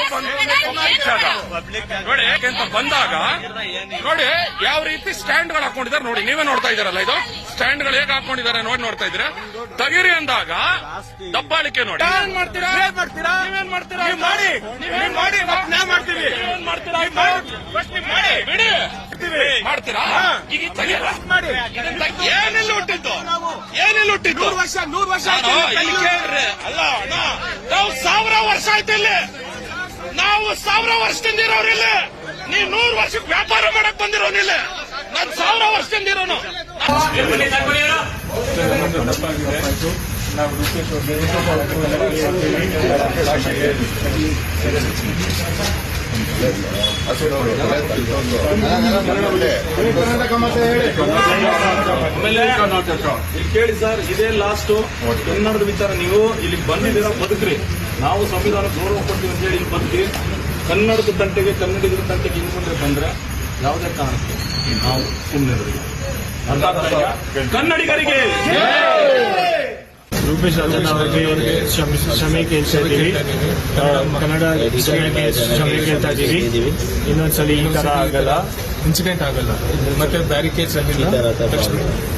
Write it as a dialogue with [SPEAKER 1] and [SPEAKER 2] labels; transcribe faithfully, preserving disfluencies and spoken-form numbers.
[SPEAKER 1] ನೋಡಿ ಯಾಕೆಂತ ಬಂದಾಗ ನೋಡಿ ಯಾವ ರೀತಿ ಸ್ಟ್ಯಾಂಡ್ ಗಳು ಹಾಕೊಂಡಿದ್ದಾರೆ ನೋಡಿ, ನೀವೇ ನೋಡ್ತಾ ಇದಾರಲ್ಲ, ಇದು ಸ್ಟ್ಯಾಂಡ್ ಗಳು ಹೇಗೆ ಹಾಕೊಂಡಿದ್ದಾರೆ ನೋಡಿ ನೋಡ್ತಾ ಇದ್ರೆ ತೆಗಿರಿ ಅಂದಾಗ ದಬ್ಬಾಳಿಕೆ ನೋಡಿ. ಏನ್ ಮಾಡ್ತೀರಾ ನೀವೇನ್ ಮಾಡ್ತೀರಾ ಮಾಡಿ ನೀವೇನ್ ಮಾಡಿ ನಾವು ಮಾಡ್ತೀವಿ ಬಿಡಿ ಮಾಡ್ತೀರಾ ಈಗ ಮಾಡಿ. ಏನೆಲ್ಲ ಹುಟ್ಟಿದ್ದು ಏನೆಲ್ಲ ಹುಟ್ಟಿದ್ದು ನೂರು ವರ್ಷ ನೂರು ವರ್ಷ ಕೇಳ್ರಿ. ಅಲ್ಲ ನಾವು ಸಾವಿರ ವರ್ಷ ಆಯ್ತು ಇಲ್ಲಿ, ನಾವು ಸಾವಿರ ವರ್ಷದಿಂದ ಇರೋರಿಲ್ಲ. ನೀವು ನೂರು ವರ್ಷಕ್ಕೆ ವ್ಯಾಪಾರ ಮಾಡಕ್ ಬಂದಿರೋನಿಲ್ಲ, ನಾನು ಸಾವಿರ ವರ್ಷದಿಂದ ಇರೋನು.
[SPEAKER 2] ಕೇಳಿ ಸರ್, ಇದೇ ಲಾಸ್ಟ್ ಕನ್ನಡದ ವಿಚಾರ. ನೀವು ಇಲ್ಲಿ ಬಂದಿದ್ದೀರಾ, ಬದುಕ್ರಿ. ನಾವು ಸಂವಿಧಾನ ಗೌರವ ಕೊಡ್ತೀವಿ ಅಂತ ಹೇಳಿ ಇಲ್ಲಿ ಬದುಕಿ ಕನ್ನಡದ ತಂಟೆಗೆ ಕನ್ನಡಿಗರ ತಂಟೆಗೆ ಹಿಂದ್ಕೊಂಡ್ರೆ ಬಂದ್ರೆ ಯಾವುದೇ ಕಾರಣಕ್ಕೆ ನಾವು ಸುಮ್ಮನೆ ಕನ್ನಡಿಗರಿಗೆ
[SPEAKER 3] ರೂಪೇಶ್ ರಾಜಣ್ಣ ಅವರಿಗೆ ಕ್ಷಮೆ ಕೇಳ್ತಾ ಇದ್ದೀವಿ. ಕನ್ನಡ ಕ್ಷಮೆಗೆ ಕ್ಷಮೆ ಕೇಳ್ತಾ ಇದ್ದೀವಿ. ಇನ್ನೊಂದ್ಸಲಿ ಈ ತರ ಆಗಲ್ಲ, ಇನ್ಸಿಡೆಂಟ್ ಆಗಲ್ಲ, ಮತ್ತೆ ಬ್ಯಾರಿಕೇಡ್ಸ್ ಆಗಿಲ್ಲ.